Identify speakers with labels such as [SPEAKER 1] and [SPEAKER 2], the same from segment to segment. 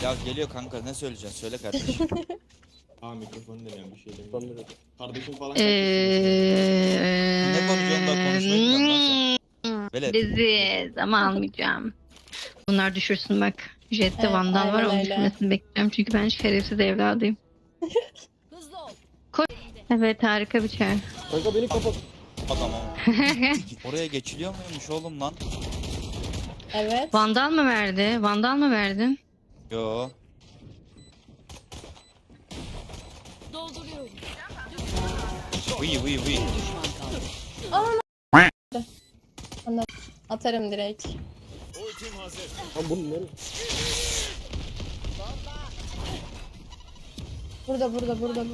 [SPEAKER 1] Ya geliyor kanka, ne söyleyeceksin? Söyle kardeşim.
[SPEAKER 2] Mikrofonu deniyorum, bir şey demiyorum. Kardeşim falan
[SPEAKER 1] Ne konuşuyorsun da konuşmayı bilmiyorum lan sen. Velet.
[SPEAKER 3] Leziz ama almayacağım. Bunlar düşürsün bak. Jet'te
[SPEAKER 4] Evet,
[SPEAKER 3] Vandal var,
[SPEAKER 4] aynen
[SPEAKER 3] onun
[SPEAKER 4] öyle.
[SPEAKER 3] düşürmesini bekliyorum. Çünkü ben şerefsiz evladıyım. Koy. Evet, harika bir çağrı.
[SPEAKER 5] Kanka beni kapat.
[SPEAKER 1] Adamım. Oraya geçiliyor muymuş oğlum lan?
[SPEAKER 4] Evet.
[SPEAKER 3] Vandal mı verdi? Vandal mı verdin?
[SPEAKER 1] Yo. Vıy vıy vıy.
[SPEAKER 4] Atarım direkt.
[SPEAKER 5] Lan bunu nereye?
[SPEAKER 4] Burada.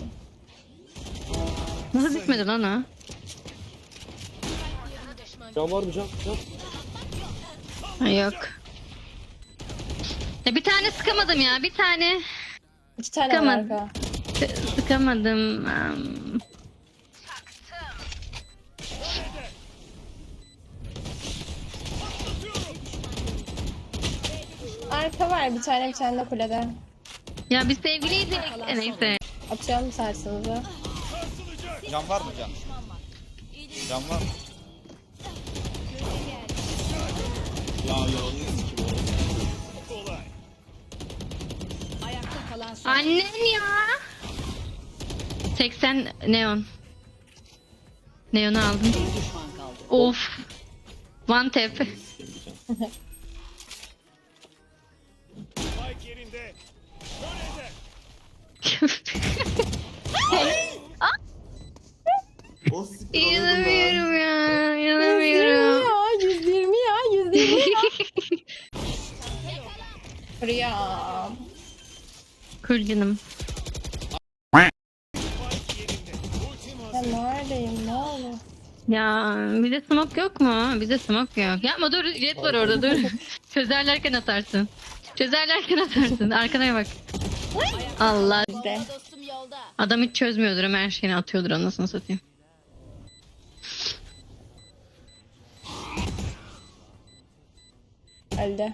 [SPEAKER 3] Nasıl bitmedi lan o?
[SPEAKER 5] Can var mı can?
[SPEAKER 3] Ha, yok. Ya bir tane sıkamadım ya. Bir tane
[SPEAKER 4] 2 tane var
[SPEAKER 3] Sıkamadım.
[SPEAKER 4] arka.
[SPEAKER 3] sıkamadım.
[SPEAKER 4] Arka var bir tane de kulede.
[SPEAKER 3] Ya biz sevgiliydik. Neyse.
[SPEAKER 4] Atıyorum sarsınızı.
[SPEAKER 1] Can var mı can? Can var mı?
[SPEAKER 3] Annen ya. 80 neon. Neon'u aldım. Of. One tap.
[SPEAKER 2] O siktir onu
[SPEAKER 3] İnanamıyorum ya. İnanamıyorum.
[SPEAKER 4] 120 ya. Buraya.
[SPEAKER 3] Kul canım.
[SPEAKER 4] Ben neredeyim ne oldu?
[SPEAKER 3] Ya bize smoke yok mu? Bize smoke yok. Yapma, dur, jet var orada, dur. Çözerlerken atarsın. Arkana bak. Allah.
[SPEAKER 4] Bizde.
[SPEAKER 3] Adam hiç çözmüyordur ama her şeyini atıyordur, anasını satayım.
[SPEAKER 4] Öldü.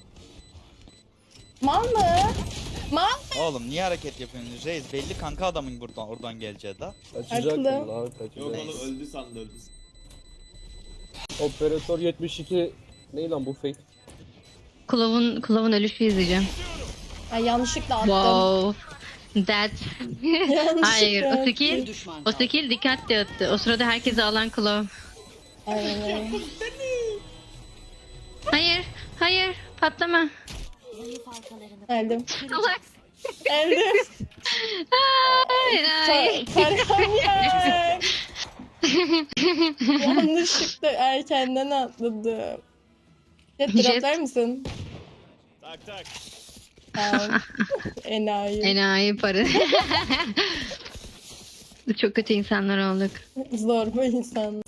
[SPEAKER 4] Mal mı?
[SPEAKER 1] Oğlum niye hareket yapıyorsun? Reis belli kanka adamın oradan geleceği da.
[SPEAKER 5] Kaçacaktım
[SPEAKER 4] Haklı.
[SPEAKER 5] lan
[SPEAKER 2] Yok
[SPEAKER 5] kaçacaktım.
[SPEAKER 2] oğlum öldü sandı öldü.
[SPEAKER 5] Operatör 72. Ne lan bu fake?
[SPEAKER 3] Kulavun ölüşü izleyeceğim.
[SPEAKER 4] Ay yanlışlıkla attım.
[SPEAKER 3] Wow. That. Hayır,
[SPEAKER 4] Yanlışlıkla
[SPEAKER 3] o skill. O skill dikkatli attı. O sırada herkesi alan Kulov.
[SPEAKER 4] Aynen öyle.
[SPEAKER 3] Hayır, patlama.
[SPEAKER 4] Öldüm.
[SPEAKER 3] Allah.
[SPEAKER 4] Öldüm.
[SPEAKER 3] Hayır.
[SPEAKER 4] Tarkan yer. Yanlışlıkla erkenden atladım. Jet
[SPEAKER 3] Jet.
[SPEAKER 4] droplar mısın?
[SPEAKER 2] Tak.
[SPEAKER 4] Tamam. Enayi.
[SPEAKER 3] Enayi para. Çok kötü insanlar olduk.
[SPEAKER 4] Zorba insan.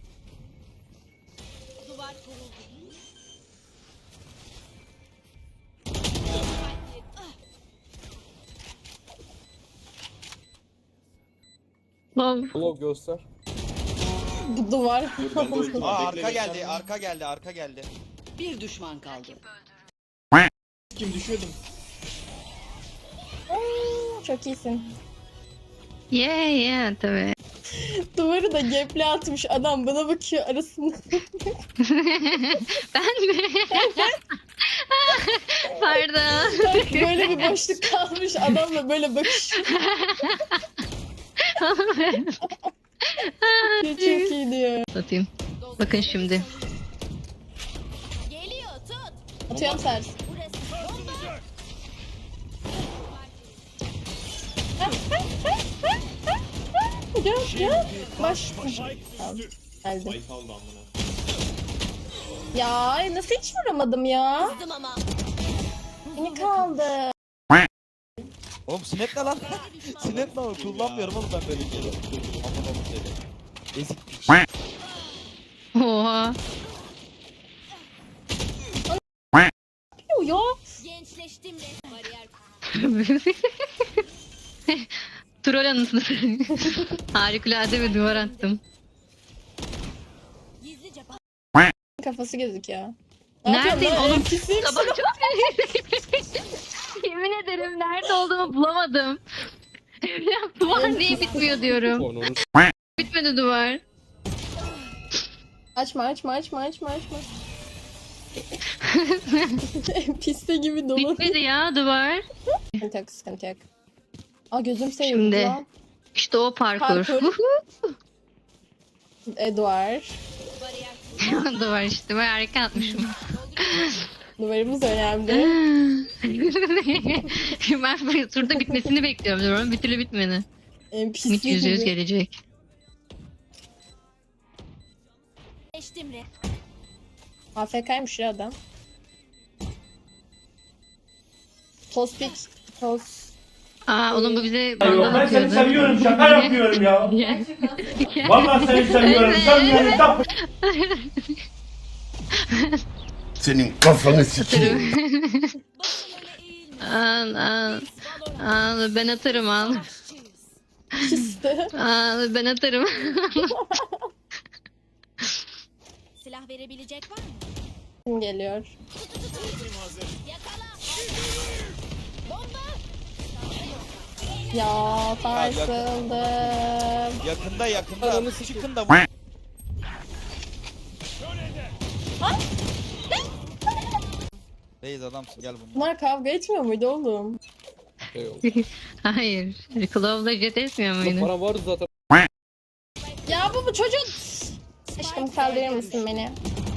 [SPEAKER 3] Wow.
[SPEAKER 5] Blog göster.
[SPEAKER 4] Bu duvar.
[SPEAKER 2] Ben de ultim var,
[SPEAKER 1] Aa
[SPEAKER 2] bekle,
[SPEAKER 1] arka
[SPEAKER 2] bekle.
[SPEAKER 1] geldi, arka geldi.
[SPEAKER 6] Bir düşman kaldı.
[SPEAKER 2] Kim düşüyordum?
[SPEAKER 4] Çok iyisin.
[SPEAKER 3] Yeah tabii.
[SPEAKER 4] Duvarı da geple atmış adam bana bakıyor arasında.
[SPEAKER 3] Ben mi? Pardon.
[SPEAKER 4] Böyle bir boşluk kalmış adamla böyle bakışıyor. Çok iyi diyor.
[SPEAKER 3] Satayım. Bakın şimdi.
[SPEAKER 4] Atıyorum sers. Gel. Baş. Tamam. Geldim.
[SPEAKER 2] Ay kaldı amına.
[SPEAKER 4] Ya nasıl hiç vuramadım ya? Beni kaldı.
[SPEAKER 1] Oğlum snap ne lan? Snap ne oğlum? Kullanmıyorum oğlum ben böyle şeyleri. Aman oğlum seni. Ezik.
[SPEAKER 3] Oha.
[SPEAKER 4] Yo.
[SPEAKER 7] Gençleştim de bariyer.
[SPEAKER 3] Troll anısını. Harikulade bir duvar attım.
[SPEAKER 7] Gizlice
[SPEAKER 4] Kafası gözüküyor.
[SPEAKER 3] Neredeyim oğlum?
[SPEAKER 4] Pisiyim.
[SPEAKER 3] Sabah çok olduğumu bulamadım. Ya duvar niye bitmiyor diyorum.
[SPEAKER 5] Onu
[SPEAKER 3] Bitmedi duvar.
[SPEAKER 4] Açma. Piste gibi dolu.
[SPEAKER 3] Bitmedi ya duvar.
[SPEAKER 4] Sıkıntı yok. Aa gözüm seviyor
[SPEAKER 3] Şimdi.
[SPEAKER 4] lan.
[SPEAKER 3] İşte o parkur.
[SPEAKER 4] Parkur. Eduard.
[SPEAKER 3] Duvar işte. Ben harika atmışım.
[SPEAKER 4] Numaramız önemli.
[SPEAKER 3] Ben bu turda bitmesini bekliyorum diyorum. Bir türlü bitmedi.
[SPEAKER 4] Piste
[SPEAKER 3] Mit %100
[SPEAKER 4] gibi.
[SPEAKER 3] gelecek.
[SPEAKER 7] Geçtim re.
[SPEAKER 4] AFK'ymış ya adam. Tospik.
[SPEAKER 3] Aa oğlum bu bize
[SPEAKER 8] Yok
[SPEAKER 3] bandal
[SPEAKER 8] ben seni
[SPEAKER 3] atıyordu.
[SPEAKER 8] seviyorum şaka yapıyorum ya.
[SPEAKER 3] Ya.
[SPEAKER 8] Vallahi seni seviyorum. Sen beni yap.
[SPEAKER 9] Senin kafanı sikeyim.
[SPEAKER 3] Al ben atarım al.
[SPEAKER 4] Piste.
[SPEAKER 3] Al ben atarım.
[SPEAKER 7] Silah verebilecek var mı?
[SPEAKER 4] Kim geliyor? Ya sarsıldım.
[SPEAKER 1] Yakında.
[SPEAKER 5] Ananı sikeyim.
[SPEAKER 1] Çıkın da Reis adamsın gel bunlar.
[SPEAKER 4] Bunlar kavga etmiyor muydu oğlum?
[SPEAKER 5] şey oldu.
[SPEAKER 3] Hayır. Clove'la jet etmiyor muydu?
[SPEAKER 5] Para vardı zaten.
[SPEAKER 4] Ya bu çocuk. Aşkım kaldırır mısın beni?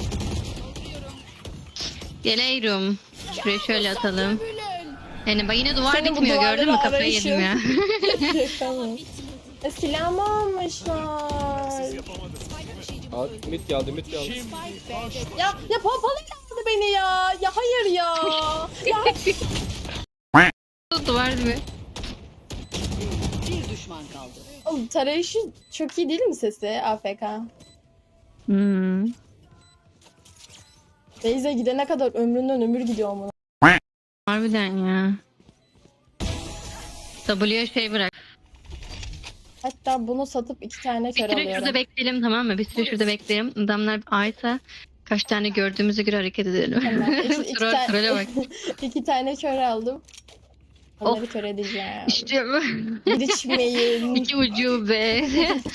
[SPEAKER 3] Geliyorum. Şuraya şöyle atalım. Yani bak yine duvar
[SPEAKER 4] Senin bu
[SPEAKER 3] bitmiyor gördün mü?
[SPEAKER 4] duvarları
[SPEAKER 3] Kafayı
[SPEAKER 4] arayışın.
[SPEAKER 3] yedim ya.
[SPEAKER 4] Tamam. Silah mı almışlar?
[SPEAKER 5] Abi mit geldi.
[SPEAKER 4] Ya pompalı kaldı beni ya. Ya hayır ya. Ya
[SPEAKER 3] Duvar gibi.
[SPEAKER 6] Bir düşman kaldı.
[SPEAKER 4] oğlum tarayışı çok iyi değil mi sesi AFK?
[SPEAKER 3] Hmm.
[SPEAKER 4] Beyze gidene kadar ömründen ömür gidiyor mu?
[SPEAKER 3] Harbiden ya. W'ye şey bırak.
[SPEAKER 4] Hatta bunu satıp 2 tane
[SPEAKER 3] Bir
[SPEAKER 4] kör
[SPEAKER 3] süre
[SPEAKER 4] alıyorum.
[SPEAKER 3] şurada bekleyelim tamam mı? Bir süre şurada bekleyelim. Adamlar aysa kaç tane gördüğümüze göre hareket edelim.
[SPEAKER 4] Tamam. İki
[SPEAKER 3] Trole bak.
[SPEAKER 4] 2 tane kör aldım. Onları kör edeceğim.
[SPEAKER 3] İşte bu.
[SPEAKER 4] Bir içmeyin.
[SPEAKER 3] İki ucube.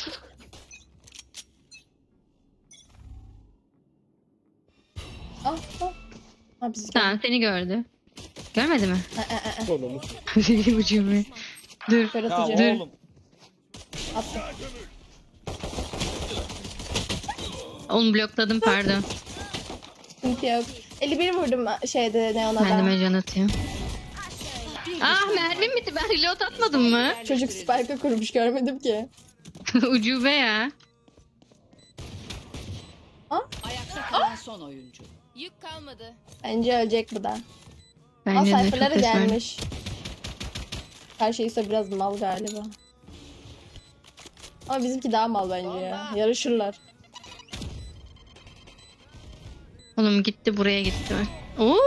[SPEAKER 4] Ha biz
[SPEAKER 3] Tamam seni gördü. Görmedi mi?
[SPEAKER 5] Onu
[SPEAKER 3] İki ucube. Dur.
[SPEAKER 4] kör
[SPEAKER 1] Ya
[SPEAKER 4] atacağım.
[SPEAKER 1] oğlum.
[SPEAKER 4] Attım.
[SPEAKER 3] Onu blokladım pardon.
[SPEAKER 4] Sıkıntı yok. 51 vurdum şeyde Neon'a da.
[SPEAKER 3] Kendime can atayım. Ah mermim bitti. Ben reload atmadım mı?
[SPEAKER 4] Çocuk spike'ı kurmuş görmedim ki.
[SPEAKER 3] Ucube ya.
[SPEAKER 6] Ayakta kalan son oyuncu.
[SPEAKER 7] Yük kalmadı.
[SPEAKER 4] Bence ölecek bu da. Aa
[SPEAKER 3] Bence de çok
[SPEAKER 4] sayfaları
[SPEAKER 3] esmer.
[SPEAKER 4] gelmiş. Her şey ise biraz mal galiba. Ama bizimki daha mal bence ya. Yarışırlar.
[SPEAKER 3] Oğlum gitti buraya gitti. Oo.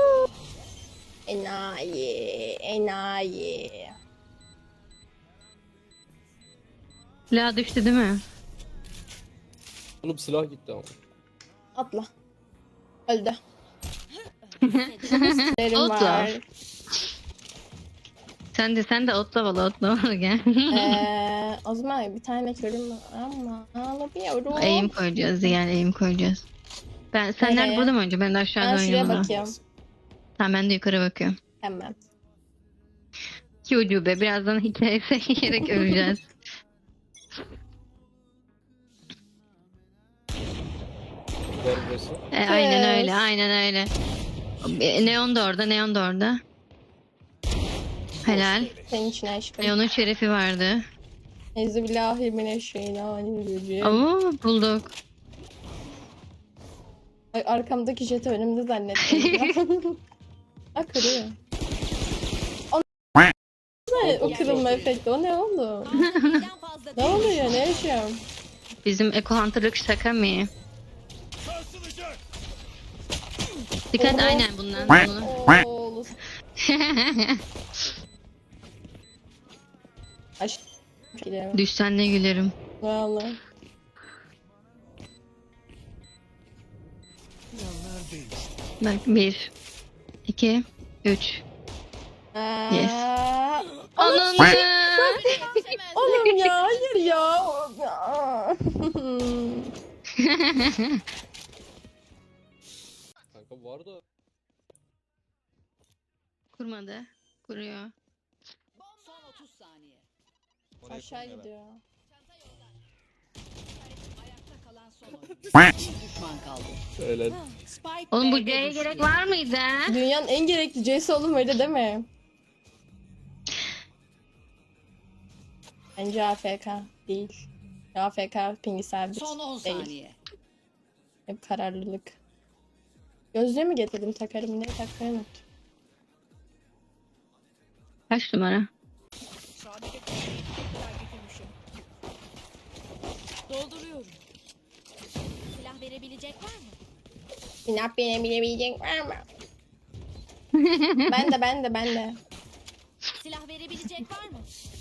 [SPEAKER 4] Enayi.
[SPEAKER 3] La düştü değil mi?
[SPEAKER 5] Oğlum silah gitti ama.
[SPEAKER 4] Atla. Öldü. Derim
[SPEAKER 3] Atla.
[SPEAKER 4] var.
[SPEAKER 3] Sen de otlavalı gel.
[SPEAKER 4] O zaman bir tane körüm var ama alamıyorum.
[SPEAKER 3] Eğim koyacağız yani eğim koyacağız. Sen nerede
[SPEAKER 4] Nereye?
[SPEAKER 3] burada mı önce? Ben de aşağıda
[SPEAKER 4] Ben şuraya
[SPEAKER 3] oynuyorum. ama.
[SPEAKER 4] bakıyorum.
[SPEAKER 3] Tamam ben de yukarı bakıyorum.
[SPEAKER 4] Hemen.
[SPEAKER 3] Ki ucube birazdan hikayesi yiyerek öleceğiz.
[SPEAKER 5] Ver burası.
[SPEAKER 3] Aynen öyle aynen öyle. Neon da orada. Helal.
[SPEAKER 4] Senin için aşkım.
[SPEAKER 3] Neon'un şerefi vardı.
[SPEAKER 4] Euzubillahimineşşeytanirracim.
[SPEAKER 3] Oo bulduk.
[SPEAKER 4] Ay, arkamdaki jeti önümde zannettim. Ha kırıyor. Ne o kırılma efekti? O ne oldu?
[SPEAKER 7] Birden fazla
[SPEAKER 4] Ne oluyor? Ne yaşıyorum?
[SPEAKER 3] Bizim Eco Hunter'lık şaka mı? Dikkat
[SPEAKER 4] Oho.
[SPEAKER 3] aynen bundan. Bunu.
[SPEAKER 4] Oğlum. Aşk. Gidelim.
[SPEAKER 3] Düşsen ne gülerim.
[SPEAKER 4] Vallahi.
[SPEAKER 3] Bak 1 2 3 Yes.
[SPEAKER 4] Aa,
[SPEAKER 3] Ananı.
[SPEAKER 4] Oğlum ya hayır ya.
[SPEAKER 5] Kanka vardı.
[SPEAKER 3] Kurmadı. Kuruyor.
[SPEAKER 6] Son 30 saniye.
[SPEAKER 1] Oraya
[SPEAKER 4] Aşağı
[SPEAKER 1] koymuyor
[SPEAKER 4] gidiyor.
[SPEAKER 6] Ayakta kalan son oyuncu. Bir düşman kaldı.
[SPEAKER 5] Öyle.
[SPEAKER 6] Spike
[SPEAKER 3] Oğlum bu
[SPEAKER 6] B'de
[SPEAKER 3] C'ye
[SPEAKER 6] düştü.
[SPEAKER 3] gerek var mıydı?
[SPEAKER 4] Dünyanın en gerekli C'si oğlum öyle deme. Bence AFK değil. AFK pingi sabit
[SPEAKER 6] Son 10
[SPEAKER 4] değil.
[SPEAKER 6] saniye.
[SPEAKER 4] Hep kararlılık. Gözlüğü mü getirdim takarım diye takmayı unuttum.
[SPEAKER 3] Kaç numara?
[SPEAKER 7] Dolduruyorum. Silah verebilecek var mı?
[SPEAKER 4] Silah bilebilecek var mı? Ben de.
[SPEAKER 7] Silah verebilecek var mı?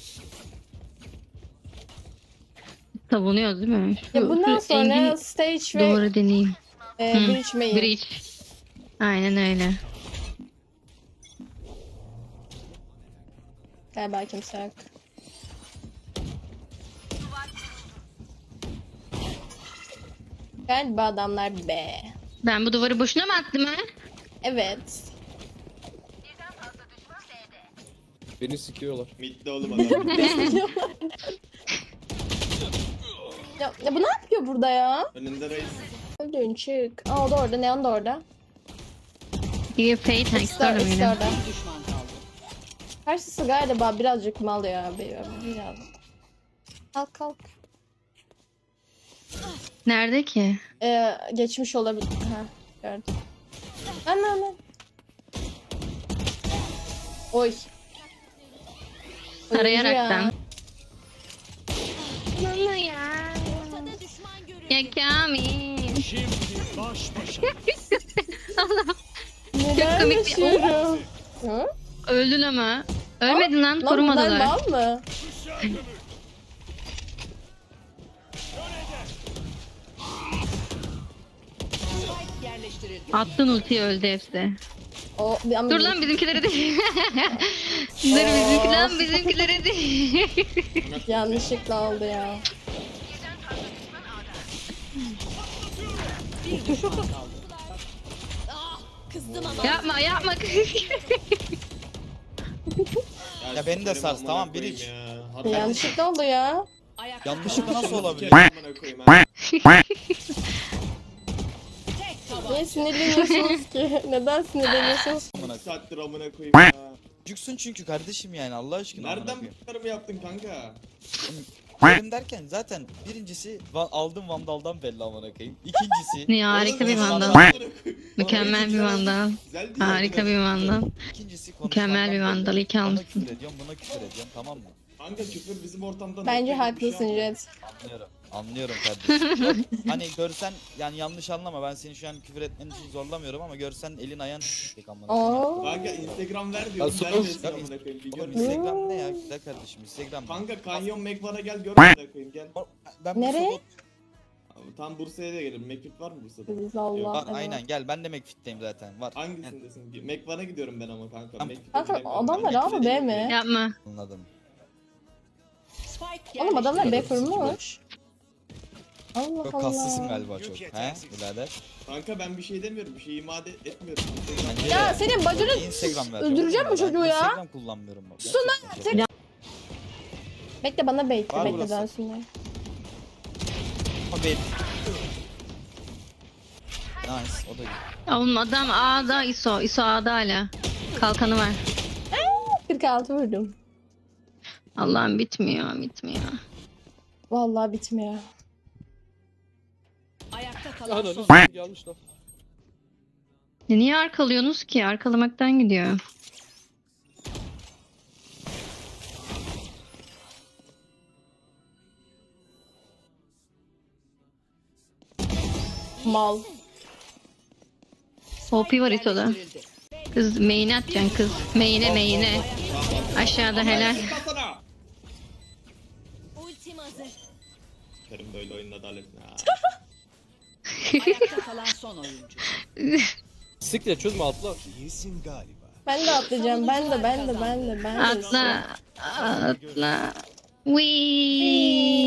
[SPEAKER 3] Savunuyoruz değil mi?
[SPEAKER 4] Ya bundan
[SPEAKER 3] şu
[SPEAKER 4] sonra
[SPEAKER 3] Engin
[SPEAKER 4] stage ve
[SPEAKER 3] doğru deneyeyim.
[SPEAKER 4] bridge main.
[SPEAKER 3] Bridge. Aynen öyle.
[SPEAKER 4] Galiba kimse yok. Galiba adamlar B.
[SPEAKER 3] Ben bu duvarı boşuna mı attım ha?
[SPEAKER 4] Evet.
[SPEAKER 5] Beni sikiyorlar.
[SPEAKER 2] Midde oğlum adam.
[SPEAKER 4] Ya bu ne yapıyor burada ya?
[SPEAKER 2] Önünde reis.
[SPEAKER 4] Öldün çık. Aa o da orada. Neon da orada.
[SPEAKER 3] Bir Fate
[SPEAKER 4] İkisi de
[SPEAKER 3] Hex'te
[SPEAKER 4] ikisi de
[SPEAKER 3] mıydı?
[SPEAKER 4] orada.
[SPEAKER 6] Bir düşman kaldı.
[SPEAKER 4] Karşısı galiba birazcık mal ya abi. Biraz. Kalk.
[SPEAKER 3] Nerede ki?
[SPEAKER 4] Geçmiş olabilir. Ha gördüm. Lan. Oy.
[SPEAKER 3] Arayaraktan. Nana ya.
[SPEAKER 7] Ortada düşman görüldü.
[SPEAKER 3] Ya Kamil.
[SPEAKER 4] Neler
[SPEAKER 3] komik bir-
[SPEAKER 4] yaşıyorum? Hı?
[SPEAKER 3] Öldün ama. Ölmedin lan.
[SPEAKER 4] Lan bunlar
[SPEAKER 3] Korumadılar.
[SPEAKER 4] mal mı?
[SPEAKER 6] Spike yerleştirildi.
[SPEAKER 3] Attın ultiyi öldü hepsi.
[SPEAKER 4] Ama
[SPEAKER 3] Dur lan bizimkilere değil. Dur bizimkilere değil.
[SPEAKER 4] yanlışlıkla oldu ya.
[SPEAKER 6] Bir düşman kaldı.
[SPEAKER 7] Kızdım ama.
[SPEAKER 3] yapma.
[SPEAKER 1] Ya beni de
[SPEAKER 2] sikerim
[SPEAKER 1] sars,
[SPEAKER 2] amına
[SPEAKER 1] tamam,
[SPEAKER 2] koyayım
[SPEAKER 1] bridge.
[SPEAKER 2] ya. Harbi
[SPEAKER 4] Yanlışlıkla oldu ya.
[SPEAKER 6] Ayakta
[SPEAKER 1] Yanlışlıkla
[SPEAKER 6] kalan
[SPEAKER 1] nasıl
[SPEAKER 6] son
[SPEAKER 1] olabilir?
[SPEAKER 2] sikerim amına koyayım ha.
[SPEAKER 6] tek taban.
[SPEAKER 4] Niye sinirleniyorsunuz ki? Neden sinirleniyorsunuz?
[SPEAKER 1] Amına
[SPEAKER 2] 2 saattir amına koyayım ya.
[SPEAKER 1] Çocuksun çünkü kardeşim yani Allah aşkına. amına
[SPEAKER 2] Nereden
[SPEAKER 1] koyayım.
[SPEAKER 2] bunları mı yaptın kanka?
[SPEAKER 1] Benim derken zaten birincisi aldım Vandal'dan belli amına koyayım. İkincisi
[SPEAKER 3] Ne harika bir
[SPEAKER 2] Oğlum,
[SPEAKER 3] vandal.
[SPEAKER 2] amına koyayım.
[SPEAKER 3] Mükemmel bir vandal.
[SPEAKER 2] Güzel değil
[SPEAKER 3] Harika bir vandal.
[SPEAKER 1] İkincisi
[SPEAKER 3] Mükemmel bir vandal. İyi ki
[SPEAKER 1] Bana
[SPEAKER 3] almışsın.
[SPEAKER 1] küfür ediyorum, buna küfür ediyorum, tamam mı?
[SPEAKER 2] Kanka küfür bizim ortamda
[SPEAKER 4] Bence
[SPEAKER 2] nokta gibi bir
[SPEAKER 4] haklısın
[SPEAKER 2] şey ama.
[SPEAKER 4] Jet.
[SPEAKER 1] Anlıyorum kardeşim. Yok, hani görsen yani yanlış anlama, ben seni şu an küfür etmen için zorlamıyorum ama görsen elin ayağın tek amına koyayım.
[SPEAKER 4] Oo.
[SPEAKER 2] Kanka Instagram ver diyorum.
[SPEAKER 5] Ya
[SPEAKER 2] Vermiyorsun
[SPEAKER 1] Yok,
[SPEAKER 2] amına koyayım. Bir
[SPEAKER 1] Oğlum
[SPEAKER 2] gör.
[SPEAKER 1] Instagram ne ya güzel kardeşim, Instagram.
[SPEAKER 2] Kanka Kanyon Mekvan'a gel gör amına koyayım gel.
[SPEAKER 1] Ben
[SPEAKER 4] Nereye?
[SPEAKER 2] Abi, tam Bursa'ya da gelirim. Mekvit var mı Bursa'da?
[SPEAKER 4] Biz Allah.
[SPEAKER 1] Var
[SPEAKER 4] evet.
[SPEAKER 1] aynen, gel ben de McFit'teyim zaten, var.
[SPEAKER 2] Hangisindesin? Mekvan'a gidiyorum ben ama kanka.
[SPEAKER 1] Tamam.
[SPEAKER 2] Mekvit'e
[SPEAKER 4] Kanka
[SPEAKER 2] gidemiyorum.
[SPEAKER 4] adamlar
[SPEAKER 2] Mekvit'e
[SPEAKER 4] A mı B
[SPEAKER 2] gidemiyorum.
[SPEAKER 4] mi?
[SPEAKER 3] Yapma.
[SPEAKER 1] Anladım.
[SPEAKER 6] Spike
[SPEAKER 4] Oğlum adamlar B
[SPEAKER 6] yerleştirildi.
[SPEAKER 4] kurmuş. Allah
[SPEAKER 1] Çok
[SPEAKER 4] Allah.
[SPEAKER 1] kaslısın galiba çok. He birader?
[SPEAKER 2] Kanka ben bir şey demiyorum. Bir şey imade etmiyorum.
[SPEAKER 1] Bence
[SPEAKER 4] Ya
[SPEAKER 1] de.
[SPEAKER 4] senin bacını
[SPEAKER 1] Instagram vereceğim.
[SPEAKER 4] öldüreceğim
[SPEAKER 1] oğlum
[SPEAKER 4] bu çocuğu
[SPEAKER 1] ben.
[SPEAKER 4] ya.
[SPEAKER 1] Instagram kullanmıyorum bak.
[SPEAKER 4] Suna,
[SPEAKER 1] Gerçekten.
[SPEAKER 4] bekle bana bekle
[SPEAKER 1] Var
[SPEAKER 4] bekle
[SPEAKER 1] burası.
[SPEAKER 4] dönsünler.
[SPEAKER 1] Ama nice, o da iyi.
[SPEAKER 3] Oğlum adam A'da ISO. ISO A'da hala. Kalkanı var.
[SPEAKER 4] 46 vurdum.
[SPEAKER 3] Allah'ım bitmiyor.
[SPEAKER 4] Vallahi bitmiyor.
[SPEAKER 6] Ayakta kalan son.
[SPEAKER 5] Ananı gelmiş lan.
[SPEAKER 3] Niye arkalıyorsunuz ki? Arkalamaktan gidiyor.
[SPEAKER 4] Mal.
[SPEAKER 3] OP var ISO'da.
[SPEAKER 6] Yerleştirildi.
[SPEAKER 3] Kız main'e atacaksın kız. Main'e. Aşağıda helal.
[SPEAKER 2] Çıkmasana.
[SPEAKER 7] Ultim hazır.
[SPEAKER 2] Kerim böyle oyunun adaletine.
[SPEAKER 6] Ayakta kalan son oyuncu.
[SPEAKER 5] Siktir çözme atla.
[SPEAKER 4] Ben de atlayacağım. Ben de.
[SPEAKER 3] Atla. Atla. Wee.